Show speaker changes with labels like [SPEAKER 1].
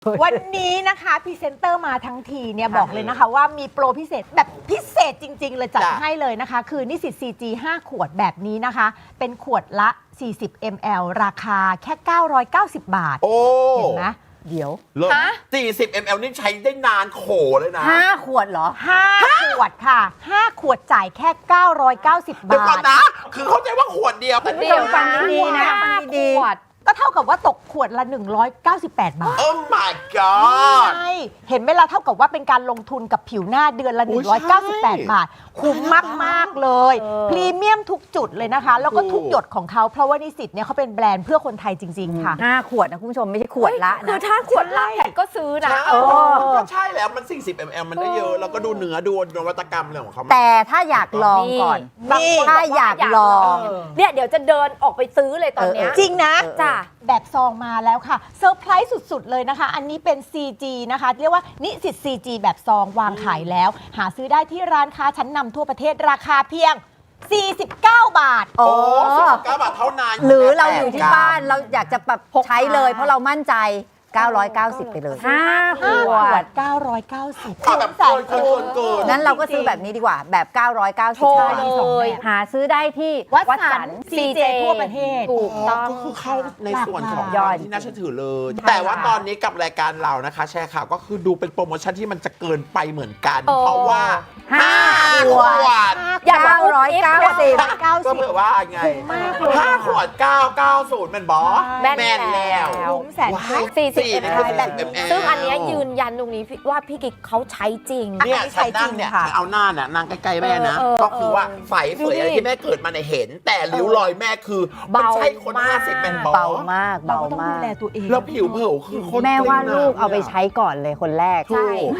[SPEAKER 1] วันนี้นะคะพรีเซนเตอร์มาทั้งทีเนี่ยบอกเลยนะคะว่ามีโปรพิเศษแบบพิเศษจริง ๆ เลยจัดให้เลยนะคะ คือนิสิต CG 5 ขวดแบบนี้นะคะ เป็นขวดละ 40 ml ราคาแค่ 990 บาท
[SPEAKER 2] โอ้
[SPEAKER 1] เห็นไหมเดี๋ยว
[SPEAKER 2] เลิศ40 ml นี่ใช้ได้นานโขเลยนะ
[SPEAKER 3] 5 ขวดเหรอ
[SPEAKER 1] 5 ขวดค่ะ 5 ขวดจ่ายแค่ 990
[SPEAKER 2] เดี๋ยว
[SPEAKER 1] บา
[SPEAKER 2] ก่อ
[SPEAKER 1] ท
[SPEAKER 2] นนะ คือเข้าใจว่าขวดเดียวแต่
[SPEAKER 3] คุณผู้ชมฟังดีๆนะ
[SPEAKER 1] ฟังดี
[SPEAKER 3] ขวด
[SPEAKER 1] ก็เท่ากับว่าตกขวดละ 198 บาท
[SPEAKER 2] โอ้ my god
[SPEAKER 1] ใช่ เห็นไหมล่ะเท่ากับว่าเป็นการลงทุนกับผิวหน้าเดือนละ
[SPEAKER 2] โอ้ยใช่
[SPEAKER 1] 198 บาท คุ้มมาก ๆ เลย พรีเมียมทุกจุดเลยนะคะ แล้วก็ทุกหยดของเขาเพราะว่านิสิตเนี่ยเขาเป็นแบรนด์เพื่อคนไทยจริง ๆ ค่ะ
[SPEAKER 3] 5 ขวดนะคุณผู้ชมไม่ใช่ขวดละ
[SPEAKER 4] คือ
[SPEAKER 3] นะ
[SPEAKER 4] ถ้าขวดละแพทก็ซื้อนะ
[SPEAKER 2] ใช่ก็ใช่แล้วมัน40 ml มันได้เยอะ แล้วก็ดูเนื้อดูนวัตกรรมอะไรของเขา
[SPEAKER 3] แต่ถ้าอยากลองก่อน
[SPEAKER 1] นี่
[SPEAKER 3] ถ้าอยากลอง
[SPEAKER 4] เนี่ยเดี๋ยวจะเดินออกไปซื้อเลยตอนเนี้ย
[SPEAKER 1] จริงนะ
[SPEAKER 4] จ้ะ
[SPEAKER 1] แบบซองมาแล้วค่ะเซอร์ไพรส์สุด ๆ เลยนะคะ อันนี้เป็น CG นะคะ เรียกว่านิสิต CG แบบซองวางขายแล้ว หาซื้อได้ที่ร้านค้าชั้นนำทั่วประเทศราคาเพียง 49 บาท
[SPEAKER 2] โอ้19 บาทเท่านั้น
[SPEAKER 3] หรือเราอยู่ที่บ้านเราอยากจะแบบใช้เลย เพราะเรามั่นใจ 990 ไปเลย 5 ข
[SPEAKER 1] 5
[SPEAKER 3] ว
[SPEAKER 1] ขว
[SPEAKER 3] ด
[SPEAKER 1] ด 990
[SPEAKER 2] เอาแบบเกิน
[SPEAKER 3] นั้นเราก็ซื้อแบบนี้ดีกว่าแบบ 990
[SPEAKER 4] โทร
[SPEAKER 3] ใช่
[SPEAKER 4] เลย
[SPEAKER 3] หาซื้อได้ที่
[SPEAKER 1] วัด
[SPEAKER 3] วัด
[SPEAKER 1] สั
[SPEAKER 3] สั
[SPEAKER 1] น
[SPEAKER 3] น
[SPEAKER 1] CJ ทั่วประเทศ
[SPEAKER 4] ถูกต้อง
[SPEAKER 2] ก็คือเข้าในส่วนของ
[SPEAKER 3] ยอด
[SPEAKER 2] ที่น่าเชื่อถือเลย แต่ว่าตอนนี้กับรายการเรานะคะ แชร์ข่าวก็คือดูเป็นโปรโมชั่นที่มันจะเกินไปเหมือนกัน เพราะว่า 5 ขวด
[SPEAKER 4] อยากบอก
[SPEAKER 3] 990
[SPEAKER 2] ก็เผื่อว่าไง
[SPEAKER 1] คุ้มมากเลย
[SPEAKER 2] 5 ขวด 990เป็นบอส
[SPEAKER 4] แม่น
[SPEAKER 2] แม่นแล้ว
[SPEAKER 1] คุ้มแสนคุ้ม
[SPEAKER 4] 40
[SPEAKER 2] นี่คือ
[SPEAKER 4] ml
[SPEAKER 2] 40 ml
[SPEAKER 4] ซึ่งอันเนี้ยยืนยันตรงนี้ว่าพี่กิ๊กเขาใช้จริง
[SPEAKER 2] เนี่ย
[SPEAKER 1] อันนี้ใช้
[SPEAKER 2] ฉันนั่งเนี่ย
[SPEAKER 1] จริงค่ะ
[SPEAKER 2] เอาหน้าเนี่ยนั่งใกล้ๆแม่นะ
[SPEAKER 4] เออ
[SPEAKER 2] ก็คือว่าไฝเฟยอะไร
[SPEAKER 4] ดูดิ
[SPEAKER 2] ที่แม่เกิดมาเนี่ยเห็น แต่ริ้วรอยแม่คือมันใช่คน
[SPEAKER 4] เบามาก
[SPEAKER 2] 50เป็นบอส
[SPEAKER 3] เบามาก
[SPEAKER 1] เรา
[SPEAKER 3] เบา
[SPEAKER 1] ก็ต้อง
[SPEAKER 3] มา
[SPEAKER 1] ดู
[SPEAKER 3] ก
[SPEAKER 1] แลตัวเอง
[SPEAKER 2] แล้วผิวเผลอคือคน
[SPEAKER 3] แม่ว่า
[SPEAKER 2] เกร็ง
[SPEAKER 3] ลูกเอาไป
[SPEAKER 2] ม
[SPEAKER 3] ใช้ก่อนเลยคนแรก
[SPEAKER 2] ถูก